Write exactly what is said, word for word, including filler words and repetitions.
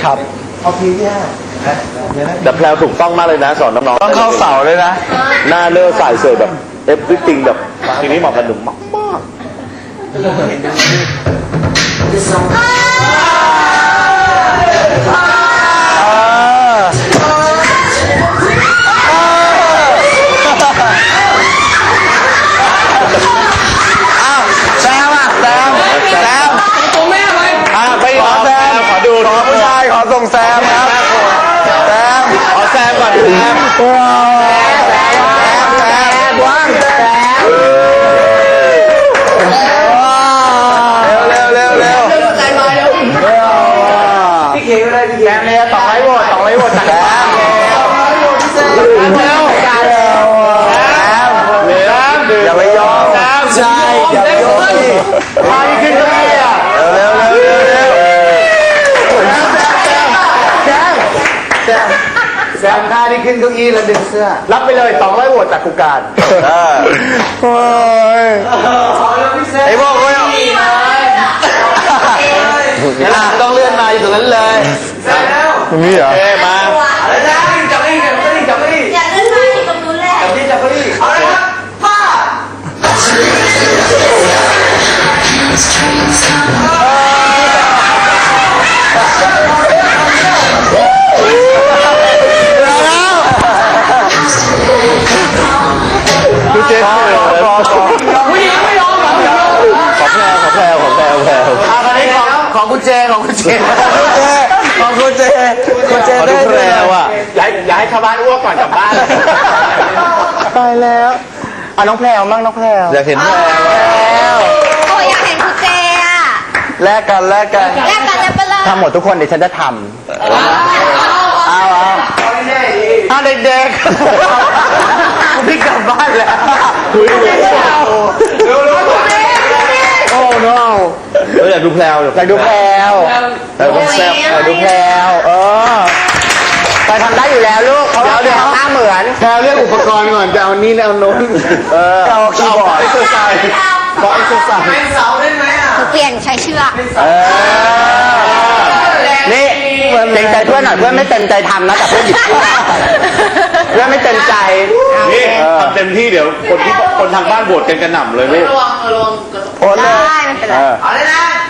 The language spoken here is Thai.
ครับเอาพีที่ห้าแต่แพลวถูกต้องมากเลยนะสอนน้องๆต้องเข้าเสาเลยนะหน้าเลือใส่เสยแบบเอฟวิติงแบบทีนี้เหมาะกับหนุ่มมากมากแซมอ่ะแซมแซมตัวแม่ไหมอ่ะไปขอแซมขอดูขอผู้ชายขอส่งแซมครับแซมขอแซมก่อนแซมว้าวแซมแซมว่างแซมเร็วเร็วเร็วเร็วใจมาเร็วพี่เขียวเลยพี่เขียวเลยต่อไว้โหวตต่อไว้โหวตแซมเร็วเร็วอย่าไปยอมแซมใช่อย่าไปยอมพาขึ้นก็ได้อ่ะเร็วเร็วเร็วเร็วแซมแซมแซมท่าที่ขึ้นเก้าอี้แล้วดึงเสื้อรับไปเลยสองร้อยโหวตจากกูการโอ้ยไอ้พวกโอ้ยต้องเลื่อนมาอยู่ตรงนั้นเลยตรงนี้เหรอเอมาอะไรนะจับไม่จับไม่จับไม่อยากเล่นไม้ตรงนู้นแหละจับนี่จับไม่เอาเลยครับพ่อดูเจ๊ขอขอขอผู้หญิงไม่ยอมเหรอขอแพลวขอแพลวขอแพลวแพลวอ่ะตอนนี้ของของคุณเจของคุณเจของคุณเจคุณเจขอได้ดูแพลวอ่ะอย่าอย่าให้ชาวบ้านอ้วกก่อนกลับบ้านตายแล้วอ่ะน้องแพรวมั่งน้องแพรวอยากเห็นแพลวโอ้ยอยากเห็นคุณเจอ่ะแลกกันแลกกันแลกกันจะไปเลยทำหมดทุกคนเดี๋ยวฉันจะทำเอาเอาเอาเด็กๆพี่กลับบ้านแล้วคุยเลยโอ้ no เอออยากดูแพลวอยากดูแพรวแพลวต้องแซ่บอยากดูแพรวเออไปทำได้อยู่แล้วลูกเขาเดี๋ยวหน้าเหมือนแพรวเรื่องอุปกรณ์ก่อนจะเอานี่เอาโน้นเออเอาคีย์บอร์ดเอ็กซ์ไซส์ขอเอ็กซ์ไซส์เป็นเสาได้ไหมอ่ะเปลี่ยนใช้เชือกเออนี่เต็มใจเพื่อนหน่อยเพื่อนไม่เต็มใจทำนะแต่เพื่อนหยิบเพื่อนไม่เต็มใจนี่ทำเต็มที่เดี๋ยวคนที่คนทางบ้านโหวตกันกระหน่ำเลยพี่ระวังระวังโอนเลยได้ไม่เป็นไรเออเอาเลยนะ